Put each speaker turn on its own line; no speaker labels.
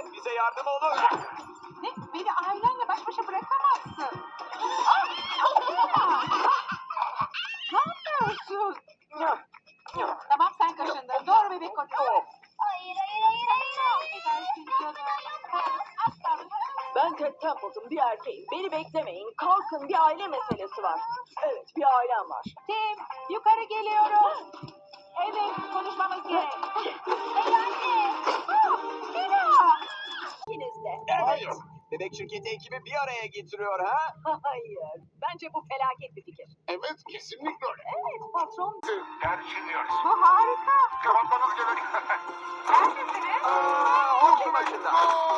bize yardım olun.
Ne? Beni ailenle baş başa bırakamazsın. Ne yapıyorsun? Tamam sen kaşındın. Doğru bebek koçu.
Hayır.
Affedersin canım. Asla.
Ben Ted Templeton, bir erkeğim. Beni beklemeyin. Kalkın, bir aile meselesi var. Evet, bir ailem var.
Tim, yukarı geliyorum. Evet, konuşmamız gerek.
Hey anne.
Tina!
İkiniz de.
Evet. Bebek şirketi ekibi bir araya getiriyor ha?
Hayır. Bence bu felaket bir fikir.
Evet, kesinlikle öyle.
Evet, patron.
Düşünüyoruz.
Bu harika.
Cevaplarınız gerek.
Neredesiniz?
Olsun başında.